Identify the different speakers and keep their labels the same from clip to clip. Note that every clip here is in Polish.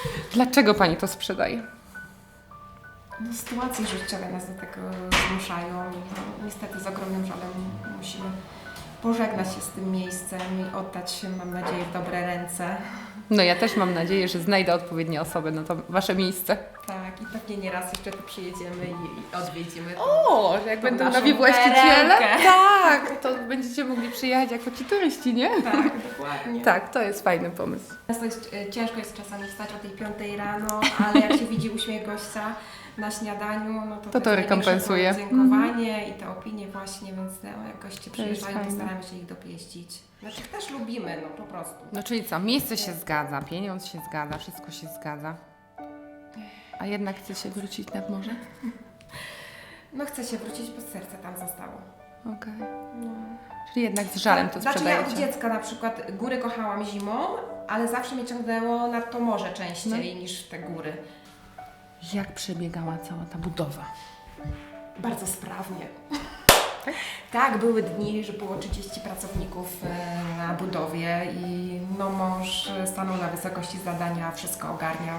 Speaker 1: Dlaczego Pani to sprzedaje?
Speaker 2: No, sytuacje życiowe nas do tego zmuszają. No, niestety z ogromnym żalem musimy pożegnać się z tym miejscem i oddać się, mam nadzieję, w dobre ręce.
Speaker 1: No ja też mam nadzieję, że znajdę odpowiednie osoby na to Wasze miejsce.
Speaker 2: Tak, i pewnie nieraz jeszcze tu przyjedziemy i odwiedzimy.
Speaker 1: O, że jak
Speaker 2: tą
Speaker 1: będą
Speaker 2: naszą
Speaker 1: nowi właściciele,
Speaker 2: perełkę.
Speaker 1: tak, to będziecie mogli przyjechać jako ci turyści, nie?
Speaker 2: Tak, dokładnie.
Speaker 1: Tak, to jest fajny pomysł.
Speaker 2: Często ciężko jest czasami wstać o tej 5 rano, ale jak się widzi uśmiech gościa na śniadaniu, no to
Speaker 1: To
Speaker 2: jest
Speaker 1: rekompensuje.
Speaker 2: największe podziękowanie i te opinie właśnie, więc no, jak goście przyjeżdżają, to
Speaker 1: fajne.
Speaker 2: staramy się ich dopieścić. Znaczy też lubimy, no po prostu.
Speaker 1: No czyli co, miejsce się zgadza, pieniądz się zgadza, wszystko się zgadza. A jednak chce się wrócić nad morze?
Speaker 2: No chcę się wrócić, bo serce tam zostało.
Speaker 1: Okej.
Speaker 2: No.
Speaker 1: Czyli jednak z żalem to
Speaker 2: Znaczy ja od
Speaker 1: sprzedajecie.
Speaker 2: dziecka na przykład góry kochałam zimą, ale zawsze mnie ciągnęło nad to morze częściej niż te góry.
Speaker 1: Jak przebiegała cała ta budowa?
Speaker 2: Bardzo sprawnie. Tak, były dni, że było 30 pracowników na budowie i no mąż stanął na wysokości zadania, wszystko ogarniał.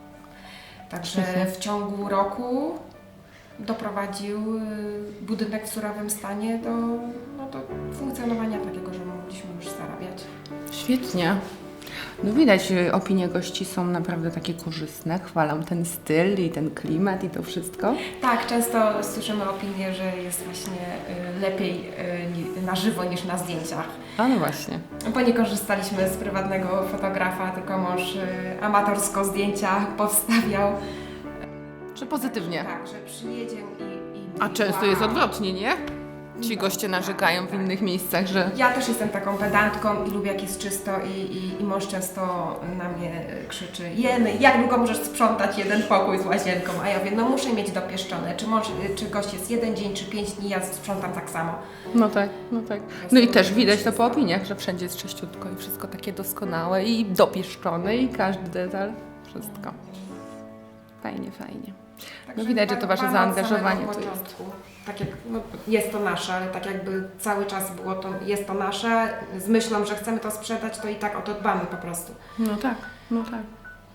Speaker 2: Także w ciągu roku doprowadził budynek w surowym stanie do funkcjonowania takiego, że mogliśmy już zarabiać.
Speaker 1: Świetnie. No widać, opinie gości są naprawdę takie korzystne, chwalą ten styl i ten klimat i to wszystko.
Speaker 2: Tak, często słyszymy opinię, że jest właśnie lepiej na żywo niż na zdjęciach.
Speaker 1: A no właśnie.
Speaker 2: Bo nie korzystaliśmy z prywatnego fotografa, tylko mąż amatorsko zdjęcia powstawiał.
Speaker 1: Czy pozytywnie?
Speaker 2: Tak, że przyjedzie i
Speaker 1: A często jest odwrotnie, nie? Ci goście narzekają w innych miejscach, że...
Speaker 2: Ja też jestem taką pedantką i lubię jak jest czysto i mąż często na mnie krzyczy: Jeny, jak długo możesz sprzątać jeden pokój z łazienką? A ja mówię, no muszę mieć dopieszczone. Czy gość jest 1 dzień, czy 5 dni, ja sprzątam tak samo.
Speaker 1: No tak, no tak. No i też widać to po opiniach, że wszędzie jest czyściutko i wszystko takie doskonałe i dopieszczone i każdy detal, wszystko. Fajnie, fajnie. No widać, że to Wasze
Speaker 2: dbamy od
Speaker 1: zaangażowanie
Speaker 2: samego
Speaker 1: tu jest.
Speaker 2: początku. Tak jak, no, jest to nasze, ale tak jakby cały czas było to, jest to nasze, z myślą, że chcemy to sprzedać, to i tak o to dbamy po prostu.
Speaker 1: No tak, no tak.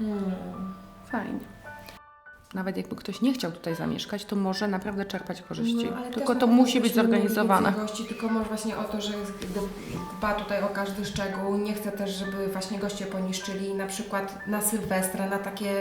Speaker 1: Fajnie. Nawet jakby ktoś nie chciał tutaj zamieszkać, to może naprawdę czerpać korzyści.
Speaker 2: No, ale
Speaker 1: Tylko
Speaker 2: też
Speaker 1: to
Speaker 2: na
Speaker 1: musi
Speaker 2: pewno
Speaker 1: być
Speaker 2: byśmy mieli
Speaker 1: zorganizowane.
Speaker 2: więcej gości, tylko może właśnie o to, że dba tutaj o każdy szczegół. Nie chcę też, żeby właśnie goście poniszczyli. Na przykład na Sylwestra, na takie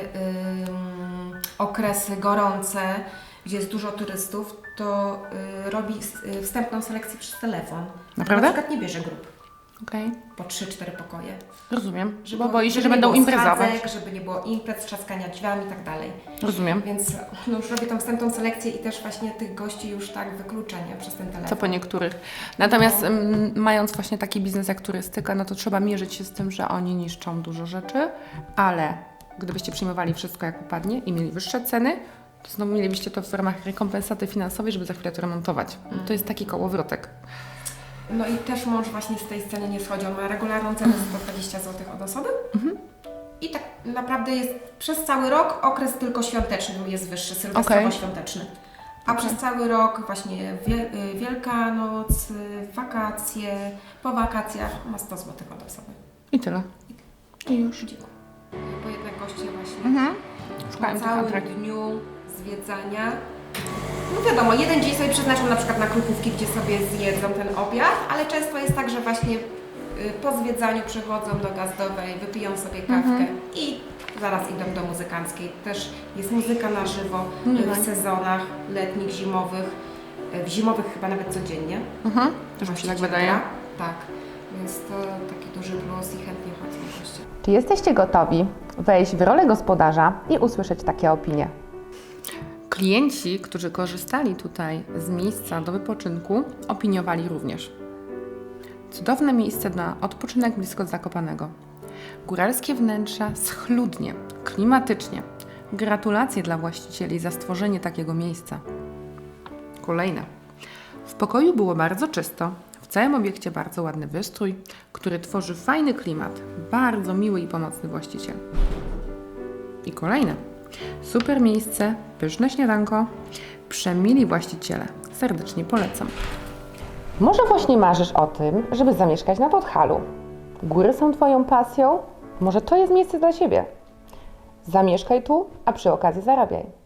Speaker 2: okresy gorące, gdzie jest dużo turystów, to robi wstępną selekcję przez telefon.
Speaker 1: Naprawdę?
Speaker 2: Na przykład nie bierze grup
Speaker 1: Okej,
Speaker 2: po 3-4 pokoje.
Speaker 1: Rozumiem. Bo boi się,
Speaker 2: żeby
Speaker 1: że
Speaker 2: nie
Speaker 1: będą
Speaker 2: było
Speaker 1: imprezować.
Speaker 2: schadzek, żeby nie było imprez, trzaskania drzwiami i tak dalej.
Speaker 1: Rozumiem.
Speaker 2: Więc no, już robię tą wstępną selekcję i też właśnie tych gości już tak wykluczenie przez ten telefon.
Speaker 1: Co po niektórych. Natomiast mając właśnie taki biznes jak turystyka, no to trzeba mierzyć się z tym, że oni niszczą dużo rzeczy, ale gdybyście przyjmowali wszystko jak upadnie i mieli wyższe ceny, to znowu mielibyście to w ramach rekompensaty finansowej, żeby za chwilę to remontować. To jest taki kołowrotek.
Speaker 2: No i też mąż właśnie z tej sceny nie schodzi. On ma regularną cenę 120 zł od osoby. I tak naprawdę jest przez cały rok okres tylko świąteczny jest wyższy, sylwestrowo-świąteczny. A przez cały rok właśnie Wielkanoc, wakacje, po wakacjach ma 100 zł od osoby.
Speaker 1: I tyle. I już.
Speaker 2: Dziękuję. Bo jednak goście właśnie
Speaker 1: Szukałem
Speaker 2: po
Speaker 1: tych
Speaker 2: całym
Speaker 1: atrakcji.
Speaker 2: dniu zwiedzania. No wiadomo, jeden dzień sobie przeznaczą na przykład na krupówki, gdzie sobie zjedzą ten obiad, ale często jest tak, że właśnie po zwiedzaniu przychodzą do Gazdowej, wypiją sobie kawkę i zaraz idą do muzykanckiej. Też jest muzyka na żywo w sezonach letnich, zimowych. W zimowych chyba nawet codziennie.
Speaker 1: Też mi się tak
Speaker 2: Właściciel
Speaker 1: wydaje.
Speaker 2: gra. Tak, więc to taki duży plus i chętnie chodzą goście.
Speaker 3: Czy jesteście gotowi wejść w rolę gospodarza i usłyszeć takie opinie?
Speaker 1: Klienci, którzy korzystali tutaj z miejsca do wypoczynku, opiniowali również. Cudowne miejsce na odpoczynek blisko Zakopanego. Góralskie wnętrza schludnie, klimatycznie. Gratulacje dla właścicieli za stworzenie takiego miejsca. Kolejne. W pokoju było bardzo czysto, w całym obiekcie bardzo ładny wystrój, który tworzy fajny klimat. Bardzo miły i pomocny właściciel. I kolejne. Super miejsce, pyszne śniadanko, przemili właściciele. Serdecznie polecam.
Speaker 3: Może właśnie marzysz o tym, żeby zamieszkać na Podhalu. Góry są Twoją pasją? Może to jest miejsce dla Ciebie? Zamieszkaj tu, a przy okazji zarabiaj.